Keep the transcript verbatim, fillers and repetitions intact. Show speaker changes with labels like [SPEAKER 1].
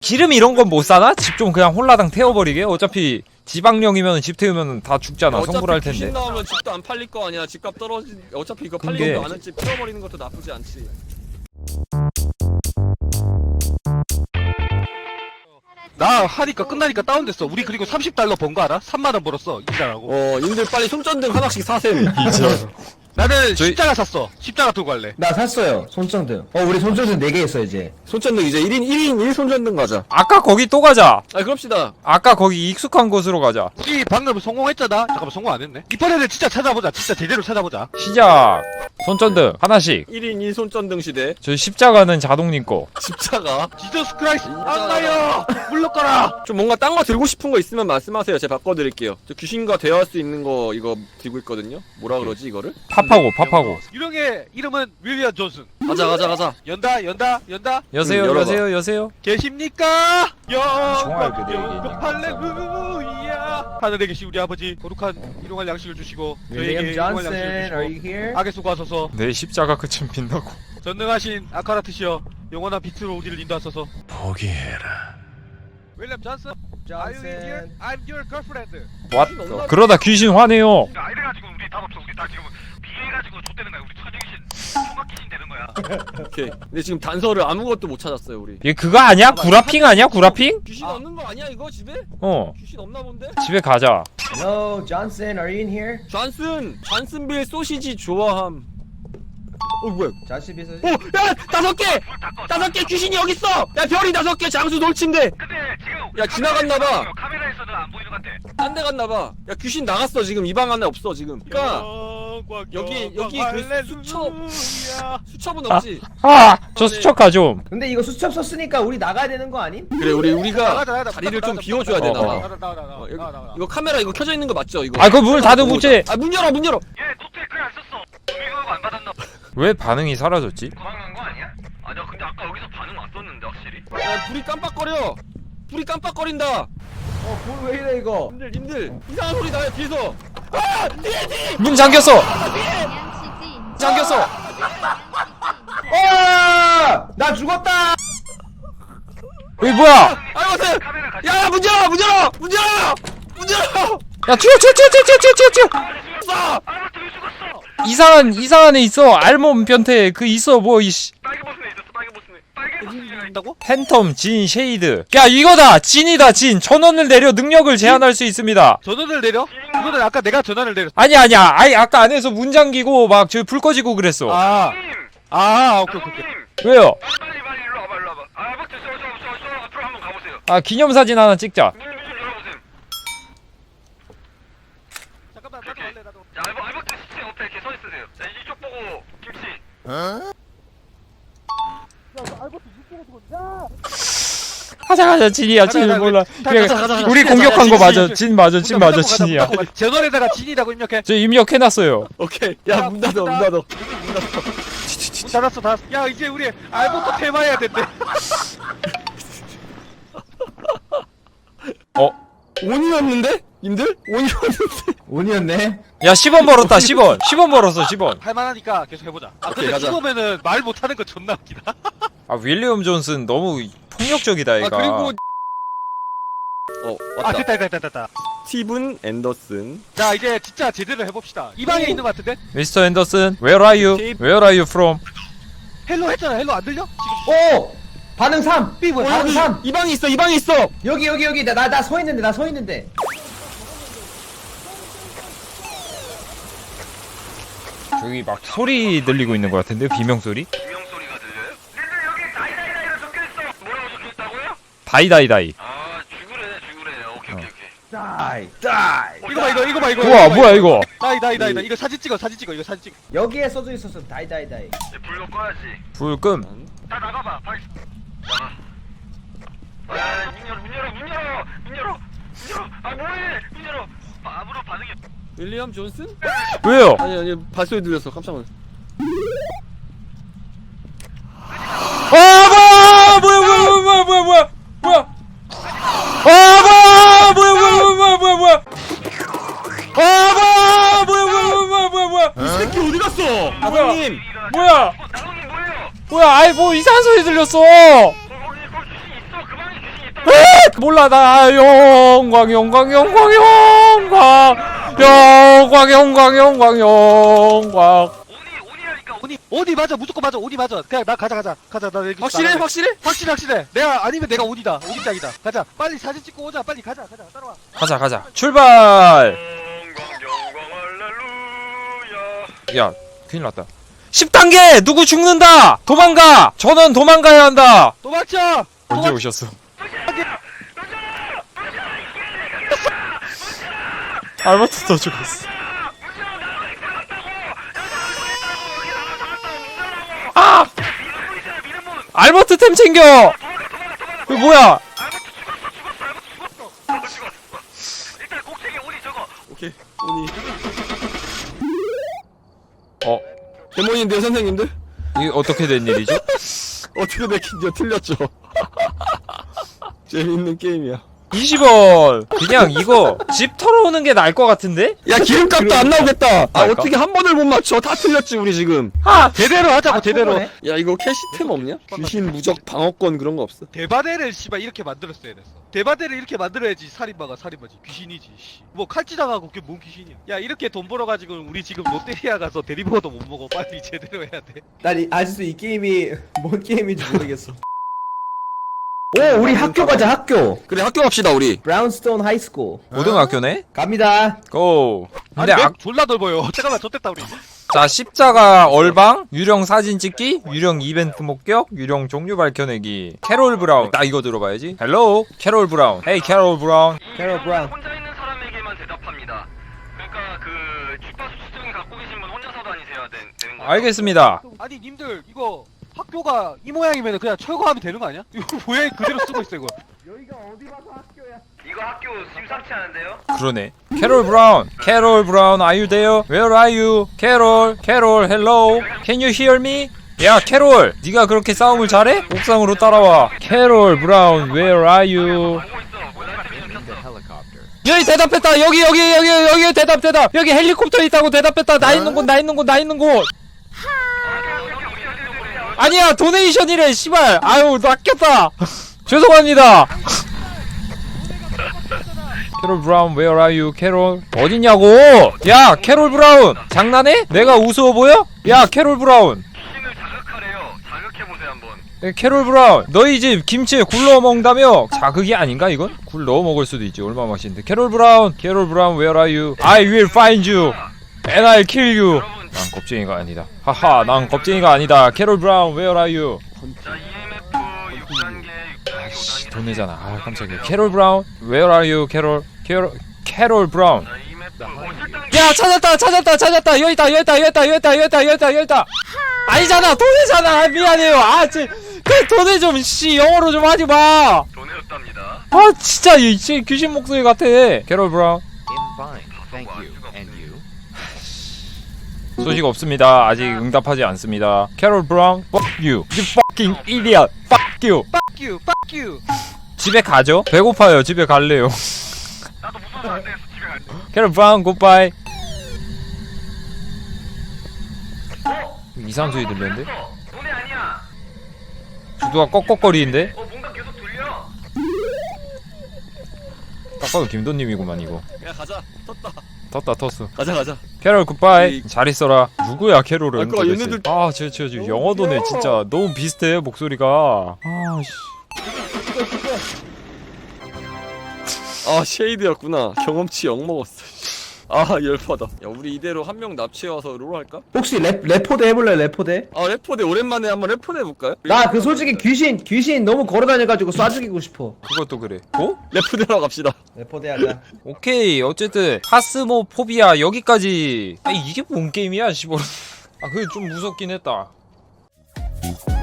[SPEAKER 1] 기름 이런 건 못 사나? 집 좀 그냥 홀라당 태워버리게? 어차피 지방령이면 집 태우면 다 죽잖아. 성불할 텐데.
[SPEAKER 2] 귀신 나오면 집도 안 팔릴 거 아니야. 집값 떨어지. 어차피 이거
[SPEAKER 1] 그게-
[SPEAKER 2] 팔리지도 않은 집 태워버리는 것도 나쁘지 않지.
[SPEAKER 3] 나 하니까 끝나니까 다운됐어. 우리 그리고 삼십 달러 번 거 알아? 삼만 원 벌었어. 이자라고.
[SPEAKER 2] 어, 님들 빨리 손전등 하나씩 사셈.
[SPEAKER 3] 나는
[SPEAKER 1] 저희-
[SPEAKER 3] 십자가 샀어. 십자가 들고 갈래.
[SPEAKER 4] 나 샀어요. 손전등. 어, 우리 손전등 네 개 했어, 이제.
[SPEAKER 2] 손전등 이제 일 인 일 인 일 손전등 가자.
[SPEAKER 1] 아까 거기 또 가자.
[SPEAKER 2] 아, 그럽시다.
[SPEAKER 1] 아까 거기 익숙한 곳으로 가자.
[SPEAKER 3] 우리 방금 성공했잖아. 잠깐만 성공 안 했네. 이번에는 진짜 찾아보자. 진짜 제대로 찾아보자.
[SPEAKER 1] 시작. 손전등 하나씩.
[SPEAKER 2] 일 인 일 손전등 시대.
[SPEAKER 1] 저 십자가는 자동님 거.
[SPEAKER 2] 십자가.
[SPEAKER 3] 지저스 크라이스트 안 가요. 물러가라.
[SPEAKER 2] 좀 뭔가 딴 거 들고 싶은 거 있으면 말씀하세요. 제가 바꿔드릴게요. 저 귀신과 대화할 수 있는 거 이거 들고 있거든요. 뭐라 그러지 이거를?
[SPEAKER 1] 팝하고 팝하고.
[SPEAKER 3] 유령의 이름은 윌리엄 존슨.
[SPEAKER 2] 가자 가자 가자.
[SPEAKER 3] 연다 연다 연다.
[SPEAKER 1] 여세요
[SPEAKER 2] 음, 열어봐.
[SPEAKER 1] 여세요 여세요.
[SPEAKER 3] 계십니까?
[SPEAKER 1] 정말 그대에게
[SPEAKER 3] 영광 할렐루야. 하늘에 계신 우리 아버지 거룩한 일용할 양식을 주시고 저에게
[SPEAKER 4] 윌리엄
[SPEAKER 3] 일용할
[SPEAKER 4] 존슨,
[SPEAKER 3] 양식을
[SPEAKER 4] are you
[SPEAKER 3] 주시고
[SPEAKER 4] here?
[SPEAKER 3] 악에 속하소서.
[SPEAKER 1] 내 십자가 끝은 빛나고.
[SPEAKER 3] 전능하신 아카라트시여 영원한 빛으로 우리를 인도하소서.
[SPEAKER 1] 포기해라.
[SPEAKER 3] 윌리엄 존슨, are you in here? I'm your girlfriend.
[SPEAKER 1] 왓? 그러다 귀신 화내요.
[SPEAKER 5] 야, 이래가지고 우리 답 없어. 우리 다 지금 비해가지고 좆되는 거야. 우리 처녀귀신, 총각귀신 되는 거야.
[SPEAKER 2] 오케이. 근데 지금 단서를 아무것도 못 찾았어요 우리.
[SPEAKER 1] 얘 그거 아니야? 구라핑 아니야? 구라핑?
[SPEAKER 2] 귀신 없는 거 아니야 이거 집에?
[SPEAKER 1] 어.
[SPEAKER 2] 귀신 없나 본데?
[SPEAKER 1] 집에 가자.
[SPEAKER 4] Hello, Johnson, are you in here?
[SPEAKER 2] 존슨! 존슨빌 소시지 좋아함. 어 뭐야?
[SPEAKER 4] 자시 비서.
[SPEAKER 2] 오! 야! 다섯 개! 다섯 개 귀신이 여기 있어! 야 별이 다섯 개 장수 놀친데!
[SPEAKER 5] 근데 지금
[SPEAKER 2] 야, 지나갔나봐.
[SPEAKER 5] 카메라에서는 안 보이는 것 같아.
[SPEAKER 2] 딴 데 갔나봐. 야 귀신 나갔어 지금 이 방 안에 없어 지금. 그니까
[SPEAKER 3] 영광,
[SPEAKER 2] 여기-
[SPEAKER 3] 영광,
[SPEAKER 2] 여기 그
[SPEAKER 3] 할렐루야.
[SPEAKER 2] 수첩- 수첩은 없지?
[SPEAKER 1] 아! 저 수첩가 좀.
[SPEAKER 4] 근데 이거 수첩 썼으니까 우리 나가야 되는 거 아님?
[SPEAKER 2] 그래 우리 우리가
[SPEAKER 3] 나가자, 나가자.
[SPEAKER 2] 자리를 좀
[SPEAKER 3] 나가자,
[SPEAKER 2] 비워줘야
[SPEAKER 1] 나가자.
[SPEAKER 2] 되나봐.
[SPEAKER 1] 어,
[SPEAKER 3] 나가 나가 나가
[SPEAKER 2] 어, 여기-
[SPEAKER 3] 나가 나가.
[SPEAKER 2] 이거 카메라 이거 켜져 있는 거 맞죠 이거?
[SPEAKER 1] 아, 그 문 닫아 붙지.
[SPEAKER 2] 아 문 열어 문 열어!
[SPEAKER 5] 얘 노트에 글 안 썼어. 도미가 안 받았나?
[SPEAKER 1] 왜 반응이 사라졌지?
[SPEAKER 5] 도망간 거 아니야? 아니야, 근데 아까 여기서 반응 왔었는데 확실히.
[SPEAKER 2] 야 불이 깜빡거려! 불이 깜빡거린다!
[SPEAKER 4] 어, 뭘 왜 이래, 이거?
[SPEAKER 2] 님들 님들 이상한 소리 나요 뒤에서! 아! 뒤에 뒤에!
[SPEAKER 1] 문 잠겼어. 잠겼어.
[SPEAKER 4] 어! 나 죽었다!
[SPEAKER 1] 여기 뭐야?
[SPEAKER 2] 아 여보세요!
[SPEAKER 5] 카메라 같이.
[SPEAKER 2] 야 문 열어 문 열어! 문 열어! 문 열어!
[SPEAKER 1] 야 튀어 튀어 튀어 튀어 튀어 튀어 튀어.
[SPEAKER 2] 쏴!
[SPEAKER 5] 아무것도 왜 죽었어?
[SPEAKER 1] 이상한 이상한 애 있어. 알몸 변태 그 있어 뭐 이씨.
[SPEAKER 5] 빨개 벗은 애 있었어. 빨개 벗은 애. 빨개 벗은 애가 있다고?
[SPEAKER 1] 팬텀 진 쉐이드. 야 이거다. 진이다 진. 전원을 내려 능력을 제한할 수 있습니다.
[SPEAKER 3] 전원을 내려? 그거는 아까 내가 전원을 내렸어.
[SPEAKER 1] 아니 아니야. 아이 아까 안에서 문 잠기고 막 저 불 꺼지고 그랬어.
[SPEAKER 3] 아,
[SPEAKER 5] 님!
[SPEAKER 3] 아, 오케이 오케이. 오케이.
[SPEAKER 5] 님!
[SPEAKER 1] 왜요?
[SPEAKER 5] 빨리 빨리 일로 와봐 일로 와봐. 아, 아버지 저저저저 앞으로 한번 가보세요.
[SPEAKER 1] 아 기념사진 하나 찍자.
[SPEAKER 5] 문 좀 열어보세요.
[SPEAKER 3] 잠깐만 나도 할래 나도.
[SPEAKER 5] 자, 알버 알버트 시체 옆에 이렇게 서 있으세요. 자, 이쪽 보고 김치.
[SPEAKER 1] 가자 가자 진이야 진
[SPEAKER 3] 가자,
[SPEAKER 1] 몰라.
[SPEAKER 3] 가자,
[SPEAKER 1] 그래,
[SPEAKER 2] 가자, 가자, 가자.
[SPEAKER 1] 우리
[SPEAKER 2] 가자,
[SPEAKER 1] 공격한
[SPEAKER 2] 가자,
[SPEAKER 1] 거
[SPEAKER 2] 가자,
[SPEAKER 1] 맞아. 진 맞아. 진 맞아. 진이야.
[SPEAKER 3] 전원에다가 진이라고 입력해.
[SPEAKER 1] 저 입력해놨어요.
[SPEAKER 2] 오케이 야 문 닫아 문 닫아
[SPEAKER 3] 문 닫았어 닫았어. 야 이제 우리 알부터 테마해야 된대.
[SPEAKER 1] 어?
[SPEAKER 2] 온이었는데? 님들? 온이었는데?
[SPEAKER 4] 온이었네?
[SPEAKER 1] 야 십 원 벌었다. 십 원. 십 원 벌었어. 십 원.
[SPEAKER 3] 할만하니까 계속 해보자. 아
[SPEAKER 2] 오케이,
[SPEAKER 3] 근데
[SPEAKER 2] 가자.
[SPEAKER 3] 죽으면은 말 못하는 거 존나 웃기다.
[SPEAKER 1] 아 윌리엄 존슨 너무 폭력적이다
[SPEAKER 2] 아
[SPEAKER 1] 얘가.
[SPEAKER 2] 그리고 어
[SPEAKER 3] 아
[SPEAKER 2] 왔다
[SPEAKER 3] 됐다 됐다 됐다.
[SPEAKER 2] 스티븐 앤더슨
[SPEAKER 3] 자 이제 진짜 제대로 해봅시다. 이 방에 있는 거 같은데?
[SPEAKER 1] 미스터 앤더슨, where are you? Where are you from?
[SPEAKER 3] 헬로 했잖아. 헬로 안 들려? 지금
[SPEAKER 4] 오! 반응 삼!
[SPEAKER 3] 삐 뭐야?
[SPEAKER 2] 어,
[SPEAKER 4] 반응
[SPEAKER 2] 여기
[SPEAKER 4] 삼!
[SPEAKER 2] 이 방에 있어 이 방에 있어
[SPEAKER 4] 여기, 여기, 여기. 나, 나, 나 서 있는데, 나 서 있는데.
[SPEAKER 1] 저기 막 소리 들리고 있는 것 같은데 비명 소리?
[SPEAKER 5] 비명 소리가 들려요? 근데 여기 다이다이다이로 적혀 있어. 뭐라고 적혀 있다고요?
[SPEAKER 1] 다이다이다이.
[SPEAKER 5] 아, 죽으래 죽으래. 오케이 오케이 오케이.
[SPEAKER 4] 다이, 다이.
[SPEAKER 3] 이거 봐 이거 이거 봐 이거.
[SPEAKER 1] 우와
[SPEAKER 3] 이거 봐,
[SPEAKER 1] 뭐야 이거?
[SPEAKER 3] 다이 다이 다이 다이. 이거 사진 찍어 사진 찍어 이거 사진 찍어.
[SPEAKER 4] 여기에 써져 있었어. 다이, 다이, 다이.
[SPEAKER 5] 이제 불로 꺼야지.
[SPEAKER 1] 불금.
[SPEAKER 5] 다 나가봐. 빨리 나가. 아, 문 열어 문 열어 문 열어 문 열어 문 열어. 아 뭐해? 문 열어. 아, 아무런 반응이.
[SPEAKER 2] 윌리엄 존슨?
[SPEAKER 1] 왜요?
[SPEAKER 2] 아니 아니 발소리 들렸어 깜짝 놀랐어
[SPEAKER 1] 아 뭐야 뭐야 뭐야 뭐야 뭐야 뭐야 뭐야? 아 뭐야 뭐야 뭐야 뭐야 뭐야 뭐야? 아 뭐야 뭐야 뭐야 뭐야 뭐야 뭐야?
[SPEAKER 2] 이 새끼 어디 갔어? 아버님
[SPEAKER 1] 뭐야?
[SPEAKER 5] 나동님 뭐예요?
[SPEAKER 1] 뭐야? 아이 뭐 이상한 소리 들렸어.
[SPEAKER 5] 거기 거기 귀신 있어. 그 방에 귀신
[SPEAKER 1] 몰라 나 영광 영광 영광 영광 영광 영광 영광 영광.
[SPEAKER 5] 오니 오니라니까.
[SPEAKER 3] 오니 오니 맞아 무조건 맞아 오니 맞아 그냥 나 가자 가자 가자 나 여기
[SPEAKER 2] 확실해?
[SPEAKER 3] 나갈래.
[SPEAKER 2] 확실해?
[SPEAKER 3] 확실해 확실해 내가 아니면 내가 오니다 오니 짱이다 가자 빨리 사진 찍고 오자 빨리 가자 가자 따라와
[SPEAKER 1] 가자 가자 출발.
[SPEAKER 5] 영광 영광 할렐루야.
[SPEAKER 1] 야 큰일 났다. 십 단계 누구 죽는다. 도망가. 전원 도망가야 한다.
[SPEAKER 3] 도망쳐
[SPEAKER 1] 언제 오셨어? 알버트도 죽었어. 아! 알버트 템 챙겨. 이거 뭐야?
[SPEAKER 5] 일단 꼭대기 오니 저거.
[SPEAKER 2] 오케이 오니.
[SPEAKER 1] 어
[SPEAKER 2] 데몬인데요 선생님들?
[SPEAKER 1] 이게 어떻게 된 일이죠?
[SPEAKER 2] 어떻게 맥힌지요? 틀렸죠. 재밌는 게임이야.
[SPEAKER 1] 이십 원. 그냥 이거 집 털어오는 게 나을 것 같은데?
[SPEAKER 2] 야 기름값도 안 나오겠다. 아
[SPEAKER 1] 그럴까?
[SPEAKER 2] 어떻게 한 번을 못 맞춰? 다 틀렸지 우리 지금.
[SPEAKER 1] 아
[SPEAKER 3] 제대로 하자고
[SPEAKER 4] 아,
[SPEAKER 3] 제대로
[SPEAKER 4] 저거네.
[SPEAKER 2] 야 이거 캐시템 없냐? 귀신 무적 방어권 그런 거 없어?
[SPEAKER 3] 대바대를 씨발 이렇게 만들었어야 됐어 대바대를 이렇게 만들어야지 살인마가 살인마지 귀신이지 씨. 뭐 칼찌당하고 그게 뭔 귀신이야 야 이렇게 돈 벌어가지고 우리 지금 롯데리아 가서 대리버거도 못 먹어 빨리 제대로 해야 돼
[SPEAKER 4] 난 이- 아직도 이 게임이 뭔 게임인지 모르겠어. 오, 우리 학교 가자, 학교.
[SPEAKER 2] 그래 학교 갑시다 우리.
[SPEAKER 4] 브라운스톤 하이스쿨.
[SPEAKER 1] 고등학교네?
[SPEAKER 4] 갑니다.
[SPEAKER 1] 고.
[SPEAKER 3] 아니
[SPEAKER 1] 근데
[SPEAKER 3] 맵
[SPEAKER 1] 아,
[SPEAKER 3] 졸라 넓어요 잠깐만 좆됐다 우리
[SPEAKER 1] 자 십자가 얼방, 유령 사진 찍기, 유령 이벤트 목격, 유령 종류 밝혀내기. 캐롤 브라운. 나 이거 들어봐야지. 헬로 캐롤 브라운. 헤이 캐롤 브라운.
[SPEAKER 4] 캐롤 브라운.
[SPEAKER 5] 혼자 있는 사람에게만 대답합니다. 그러니까 그 주파수 수증기 갖고 계신 분 혼자서 다니셔야 되, 되는 거죠.
[SPEAKER 1] 알겠습니다.
[SPEAKER 3] 아니 님들 이거 학교가 이 모양이면 그냥 철거하면 되는 거 아니야? 이거 모양 그대로 쓰고 있어 이거
[SPEAKER 5] 이거 학교 심상치 않은데요?
[SPEAKER 1] 그러네. 캐롤 브라운. 캐롤 브라운, are you there? Where are you? 캐롤, 캐롤, hello. Can you hear me? 야, 캐롤. 네가 그렇게 싸움을 잘해? 옥상으로 따라와. 캐롤 브라운, where are you?
[SPEAKER 5] 보고 있어. 뭐나 켰어.
[SPEAKER 1] 여기 대답했다. 여기 여기 여기 여기 대답 대답. 여기 헬리콥터 있다고 대답했다. 나 있는 곳, 나 있는 곳, 나 있는 곳. 아니야, 도네이션이래. 씨발. 아유, 낚였다. 죄송합니다. 캐롤 브라운, where are you? 캐롤 어딨냐고? 야, 캐롤 브라운 장난해? 내가 우스워 보여? 야, 캐롤 브라운.
[SPEAKER 5] 귀신을 자극하래요. 자극해보세요 한번.
[SPEAKER 1] 야, 캐롤 브라운, 너희 집 김치에 굴 넣어 먹는다며? 자극이 아닌가 이건? 굴 넣어 먹을 수도 있지. 얼마나 맛있는데. 캐롤 브라운, 캐롤 브라운, where are you? I will find you and I'll kill you. 난 겁쟁이가 아니다. 하하, 난 겁쟁이가 아니다. 캐롤 브라운, where are you?
[SPEAKER 5] 자 이엠에프 육 단계, 육 단계,
[SPEAKER 1] 아이씨,
[SPEAKER 5] 오 단계.
[SPEAKER 1] 돈 내잖아. 아, 깜짝이야. 캐롤 브라운, where are you? 캐롤, 캐롤, 캐롤 브라운.
[SPEAKER 5] 자 이엠에프 오 칠 단계.
[SPEAKER 1] 야, 찾았다, 찾았다, 찾았다. 여기 있다, 여기 있다, 여기 있다, 여기 있다, 여기 있다, 여기 있다, 여기 있다. 아니잖아, 돈이잖아. 아, 미안해요. 아, 쟤, 그 돈에 좀, 씨, 영어로 좀 하지 마.
[SPEAKER 5] 돈이었답니다.
[SPEAKER 1] 아, 진짜, 이, 씨, 귀신 목소리 같아. 캐롤 브라운.
[SPEAKER 6] Thank you. And you?
[SPEAKER 1] 소식 없습니다. 아직 응답하지 않습니다. 캐롤 브라운, fuck you. You fucking idiot. Fuck you.
[SPEAKER 3] Fuck you fuck you
[SPEAKER 1] 집에 가죠? 배고파요. 집에 갈래요.
[SPEAKER 5] 나도 무서워서 안 되겠어. 집에 갈 때.
[SPEAKER 1] 캐롤 브라운, 굿바이. 이상한 소리 들렸는데?
[SPEAKER 5] 돈이 아니야.
[SPEAKER 1] 주도가 꺽꺽거리는데?
[SPEAKER 5] 어 뭔가 계속 들려.
[SPEAKER 1] 딱 봐도 김도님이구만 이거.
[SPEAKER 2] 야 가자. 떴다.
[SPEAKER 1] 텄다 텄어.
[SPEAKER 2] 가자 가자.
[SPEAKER 1] 캐롤 굿바이.
[SPEAKER 2] 이-
[SPEAKER 1] 잘 있어라. 누구야 캐롤은?
[SPEAKER 2] 아, 그거
[SPEAKER 1] 도대체.
[SPEAKER 2] 얘네들-
[SPEAKER 1] 아, 쟤, 쟤, 쟤 영어도네 진짜. 너무 비슷해 목소리가. 아, 씨.
[SPEAKER 2] 아 쉐이드였구나. 경험치 영 먹었어. 아 열받아. 야 우리 이대로 한 명 납치해와서 롤 할까?
[SPEAKER 4] 혹시 랩, 레포대 해볼래, 레포대?
[SPEAKER 2] 아 레포대 오랜만에 한번 레포대 해볼까요?
[SPEAKER 4] 나 그 솔직히 귀신, 귀신 너무 걸어다녀가지고 쏴 죽이고 싶어.
[SPEAKER 1] 그것도 그래. 어?
[SPEAKER 2] 레포대로 갑시다.
[SPEAKER 4] 레포대 하자.
[SPEAKER 1] 오케이. 어쨌든 파스모포비아 여기까지. 아, 이게 뭔 게임이야, 씨발. 아, 그게 좀 무섭긴 했다.